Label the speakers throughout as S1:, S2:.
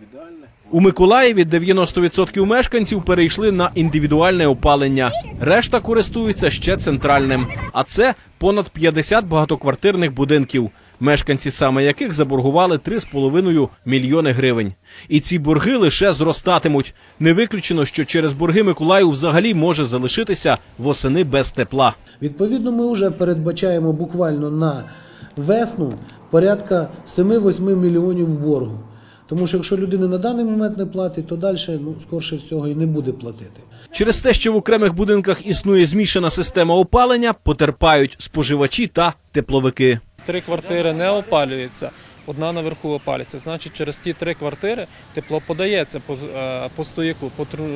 S1: У Миколаєві 90% мешканців перейшли на індивідуальне опалення. Решта користуються ще центральним. А це понад 50 багатоквартирних будинків, мешканці саме яких заборгували 3,5 мільйони гривень. І ці борги лише зростатимуть. Не виключено, що через борги Миколаїв взагалі може залишитися восени без тепла.
S2: Відповідно, ми вже передбачаємо буквально на весну порядка 7-8 мільйонів боргу. Тому що якщо людина на даний момент не платить, то далі, скорше всього, і не буде платити.
S1: Через те, що в окремих будинках існує змішана система опалення, потерпають споживачі та тепловики.
S3: 3 квартири не опалюються, одна наверху опалюється. Значить, через ті 3 квартири тепло подається по стояку,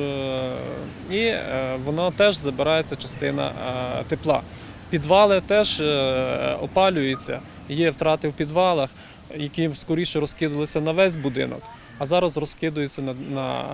S3: і воно теж забирається частина тепла. Підвали теж опалюються, є втрати в підвалах, які скоріше розкидалися на весь будинок, а зараз розкидаються на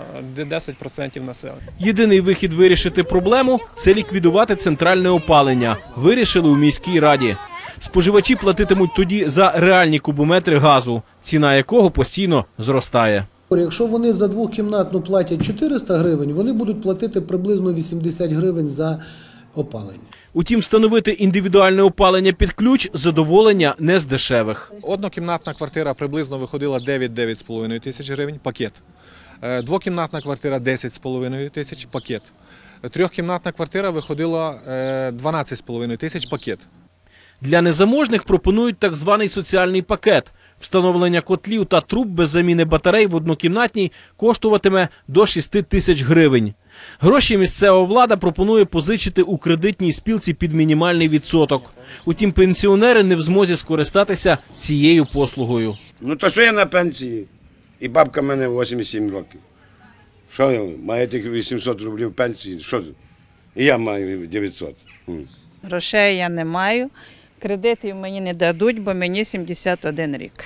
S3: 10% населення.
S1: Єдиний вихід вирішити проблему – це ліквідувати центральне опалення. Вирішили у міській раді. Споживачі платитимуть тоді за реальні кубометри газу, ціна якого постійно зростає.
S2: Якщо вони за двокімнатну платять 400 гривень, вони будуть платити приблизно 80 гривень за опалення.
S1: Утім, встановити індивідуальне опалення під ключ – задоволення не з дешевих.
S4: Однокімнатна квартира приблизно виходила 9-9,5 тисяч гривень – пакет. Двокімнатна квартира – 10,5 тисяч – пакет. Трьохкімнатна квартира виходила 12,5 тисяч – пакет.
S1: Для незаможних пропонують так званий соціальний пакет. Встановлення котлів та труб без заміни батарей в однокімнатній коштуватиме до 6 тисяч гривень. Гроші місцева влада пропонує позичити у кредитній спілці під мінімальний відсоток. Утім, пенсіонери не в змозі скористатися цією послугою.
S5: Ну то що я на пенсії? І бабка в мене 87 років. Що я маю тільки 800 рублів пенсії? Що? І я маю 900.
S6: Грошей я не маю. Кредитів мені не дадуть, бо мені 71 рік.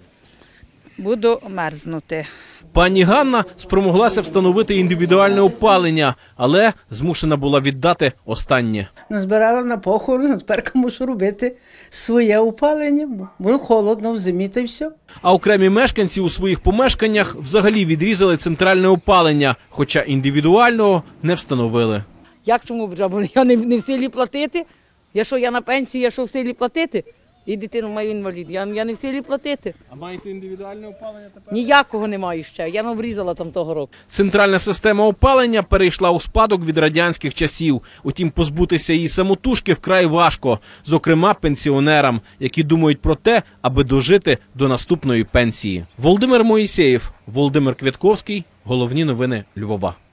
S6: Буду мерзнути.
S1: Пані Ганна спромоглася встановити індивідуальне опалення, але змушена була віддати останнє.
S7: Назбирала на похорон, а тепер мушу робити своє опалення, бо холодно в зимі та й все.
S1: А окремі мешканці у своїх помешканнях взагалі відрізали центральне опалення, хоча індивідуального не встановили.
S8: Як чому? Я не в силі платити? Я на пенсії, я що в силі платити? І дитину маю інвалід, я не в силі платити.
S1: А маєте індивідуальне опалення тепер?
S8: Ніякого не маю ще, я обрізала там того року.
S1: Центральна система опалення перейшла у спадок від радянських часів. Утім, позбутися її самотужки вкрай важко, зокрема пенсіонерам, які думають про те, аби дожити до наступної пенсії. Володимир Моїсеєв, Володимир Квятковський. Головні новини Львова.